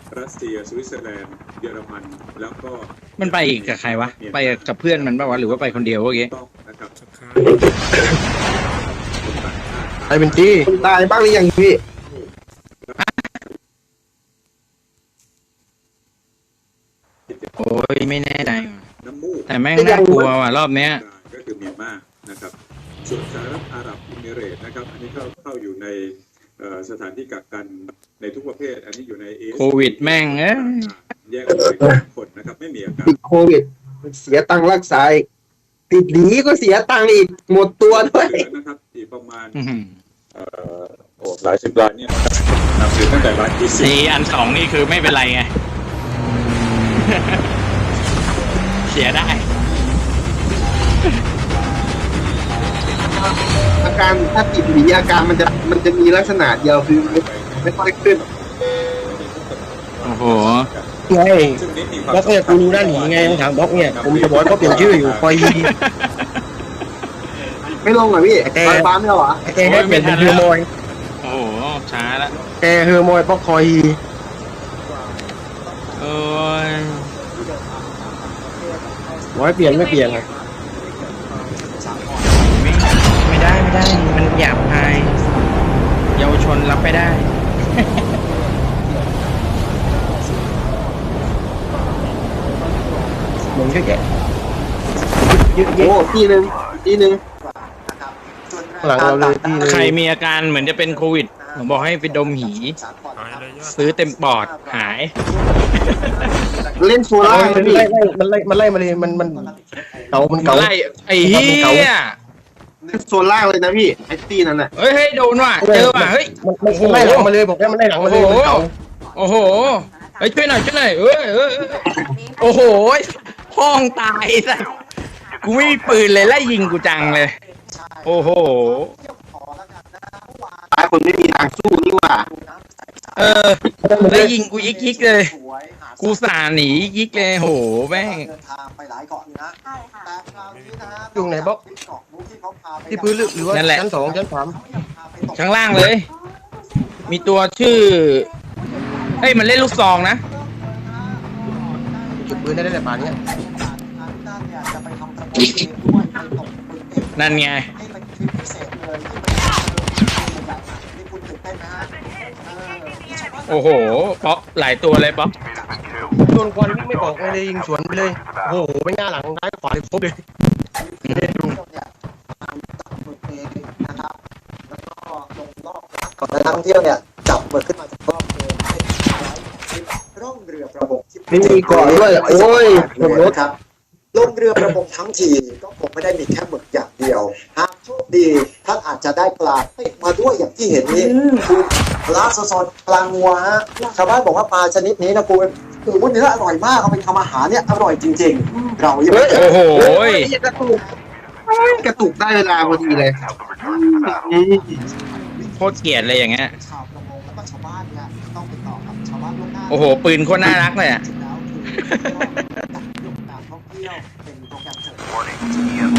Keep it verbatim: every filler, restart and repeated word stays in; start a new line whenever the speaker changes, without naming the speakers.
รัสเซียสวิตเซอร์แลนด์เยอรมันแล้วก็
มันไปอีกกับใครวะไปกับเพื่อนมันป่าวะหรือว่าไปคนเดียวเมื่อกี้
ต้องนะครับ
ไอ้เป็นจี้ตายบ้างหรือยังพี่
โอ้ยไม่แน่ใจ
น้ำมูก
แต่แม่งน่ากลัวว่ะรอบเนี้ย
ก็คือเมียนมานะครับส่วนสหรัฐอาหรับอิมิเรตส์นะครับอันนี้เข้าเข้าอยู่ในสถานที่กักกันในทุกประเภทอันนี้อยู่ใน
โควิดแม่งเอ้ย
แยกออกไปคนนะครับไม่มีอาการ
ติดโควิดเสียตังค์รักษาติดหนีก็เสียตังค์อีกหมดตัวด้วย
นะครับอีกประมาณเอ่อโอ้หลายสิบล้านเนี่ยนับถือตั้งแต่ล้านที่สี่
อันสองนี่คือไม่เป็นไรไงเสียได้
อาการถ้าติดหนีอาการมันจะมันจะมีลักษณะเดียวคือไม่ค่อยขึ้น
โอ้โห
ไงบล็อกเนี่ยกูรู้ด้านหนีไงทางบล็อกเนี่ยผมจะบอกก็เปลี่ยนชื่ออยู่คอยไม่ลงเหรอพี่แต่ฟ้าไม่เหรอแต่ให้เปลี่ยนเป็นเฮอร์โมย
โอ้โหช้าละ
แต่เฮอร์โมยบล็อกคอย
โอ้ย
ร้อยเปลี่ยนไม่เปลี่ยนไง
ไม่ได้ไม่ได้มันหยาบคายเยาวชนรับไม่ได้
เหมือนก็แกโอ้ทีหนึ่งทีหนึ่งหลังเราเลยที
ใครมีอาการเหมือนจะเป็นโควิดผมบอกให้ไปดมหีซื้อเต็มปอดหาย
เล่นโซล่ามันไล่มันไล่มันไล่มาเลยมันมันเก่ามันเก่า
ไล่ไอ้เหี้ย
โซล่าเลยนะพี่ไอ้ตีนั่นน่ะ
เฮ้ยโดนว่ะเจอว่ะเฮ้ย
มันไล่หลังมาเลยบอกแล้วมันไล่หลังมาเลย
โอ้โหเฮ้ยช่วยหน่อยช่วยหน่อยเอ้ยเอ้ยโอ้โหห้องตายสัสกูไม่มีปืนเลยไล่ยิงกูจังเลยโอ้โห
ตายคนไม่มีทางสู้นี่ว่า
เออไล่ยิงกูยิกยิกเลยกูสาหนียิกเลยโหแม่ง
อยู่ไหนบ๊อบที่พื้นหรือว่าชั้นสองชั้นสาม
ข้างล่างเลยมีตัวชื่อเฮ้ยมันเล่นลูกซองนะ
เก็บปืนได้ได้แต่ป่านนี้
นั่นไงโอ้โหป๊อปหลายตัวเลยป๊อป
โดนควันไม่ออกเลยยิงสวนไปเลยโอ้โหไปหน้าหลังซ้ายขวาครบเลย
ก่อนนักท่องเที่ยวเนี่ยจับหมึกขึ้นมาจากรอบเลยร่องเรือประมงที่
ไม่มีเกาะด้วยโอ้ยรถ
ครับลงเรือประมงทั้งทีก็คงไม่ได้มีแค่หมึกอย่างเดียวหากโชคดีท่านอาจจะได้ปลาติดมาด้วยอย่างที่เห็นนี้คือปลาสดๆปลางัวฮะชาวบ้านบอกว่าปลาชนิดนี้นะคุณคือวันนี้อร่อยมากเอาไปทำอาหารเนี่ยอร่อยจริงๆเรา
ยังโอ้โห
กระตุกกระตุกได้เวลาพอดีเลย
โคตรเกลียดเลยอย่างเงี้ยโอ้โหปืนโคตรน่ารักเลยอ่ะ